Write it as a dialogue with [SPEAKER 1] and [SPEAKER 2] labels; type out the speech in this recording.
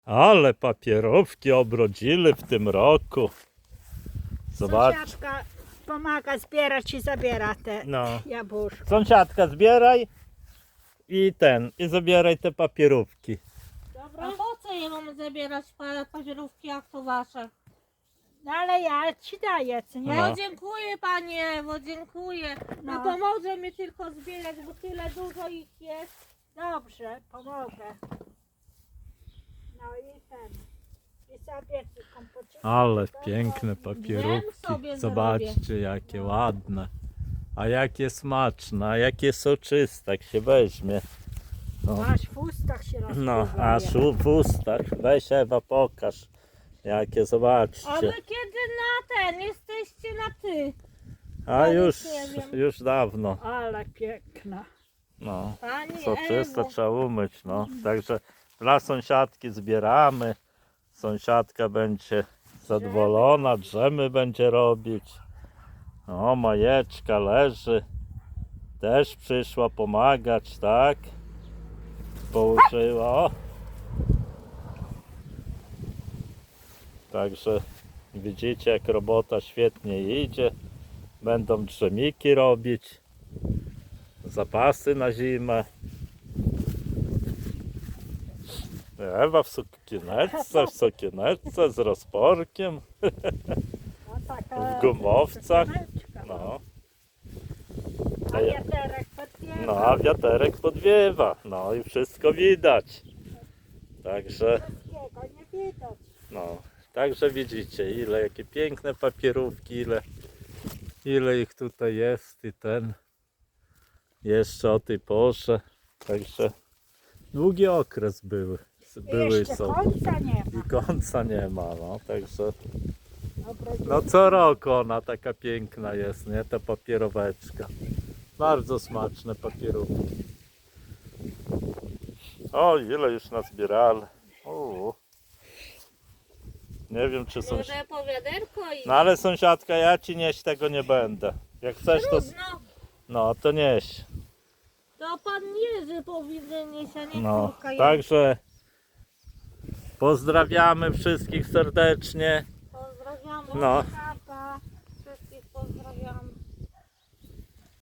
[SPEAKER 1] Ale papierówki obrodzili w tym roku. Zobacz.
[SPEAKER 2] Sąsiadka pomaga zbierać i zabiera te
[SPEAKER 1] No.
[SPEAKER 2] jabłuszka.
[SPEAKER 1] Sąsiadka, zbieraj i zabieraj te papierówki.
[SPEAKER 3] A po co je mamy zabierać papierówki, jak to wasze?
[SPEAKER 2] No ale ja ci daję, co nie?
[SPEAKER 1] No.
[SPEAKER 3] No dziękuję panie, bo dziękuję. No
[SPEAKER 2] No.
[SPEAKER 3] pomoże mi tylko zbierać, bo tyle dużo ich jest.
[SPEAKER 2] Dobrze, pomogę. No i ten. I sobie kompoczyk.
[SPEAKER 1] Ale piękne
[SPEAKER 3] Wiem
[SPEAKER 1] papierówki.
[SPEAKER 3] sobie
[SPEAKER 1] Zobaczcie, jakie ładne. A jakie smaczne, a jakie soczyste, jak się weźmie. No,
[SPEAKER 2] Aż w ustach się rozpływa.
[SPEAKER 1] no aż w ustach. Weź Ewa, pokaż. Jakie,
[SPEAKER 3] A
[SPEAKER 1] zobaczcie.
[SPEAKER 3] wy kiedy na ten jesteście na ty?
[SPEAKER 1] A
[SPEAKER 3] ja
[SPEAKER 1] już,
[SPEAKER 3] nie wiem.
[SPEAKER 1] już dawno.
[SPEAKER 2] Ale piękna.
[SPEAKER 1] No,
[SPEAKER 3] Pani
[SPEAKER 1] soczyste
[SPEAKER 3] Ewo.
[SPEAKER 1] trzeba umyć, no. Także dla sąsiadki zbieramy. Sąsiadka będzie zadowolona, drzemy będzie robić. O, Majeczka leży. Też przyszła pomagać, tak? Położyła. O. Także widzicie, jak robota świetnie idzie. Będą drzemiki robić. Zapasy na zimę. Ewa w sukieneczce z rozporkiem,
[SPEAKER 2] No, taka
[SPEAKER 1] w gumowcach.
[SPEAKER 2] sukieneczka.
[SPEAKER 1] No,
[SPEAKER 2] A wiaterek podwiewa.
[SPEAKER 1] no, a wiaterek podwiewa. No i wszystko widać. Także,
[SPEAKER 2] Wszystkiego nie widać.
[SPEAKER 1] no, także widzicie, jakie piękne papierówki, ile ich tutaj jest i jeszcze o tej porze. Także długi okres były
[SPEAKER 2] I jeszcze
[SPEAKER 1] są.
[SPEAKER 2] końca nie ma.
[SPEAKER 1] I końca nie ma, no, także
[SPEAKER 2] Obrodziła.
[SPEAKER 1] no co roku ona taka piękna jest, nie, ta papieroweczka. Bardzo smaczne papierówki. O, ile już nazbierali. O. Nie wiem, czy są...
[SPEAKER 3] Może po wiaderko i...
[SPEAKER 1] No ale sąsiadka, ja ci nieść tego nie będę. Jak chcesz, to...
[SPEAKER 3] Trudno.
[SPEAKER 1] No, to nieś.
[SPEAKER 3] To pan Jerzy powinien nieść, a nie
[SPEAKER 1] No,
[SPEAKER 3] córka.
[SPEAKER 1] także pozdrawiamy wszystkich serdecznie.
[SPEAKER 3] Pozdrawiamy.
[SPEAKER 1] No,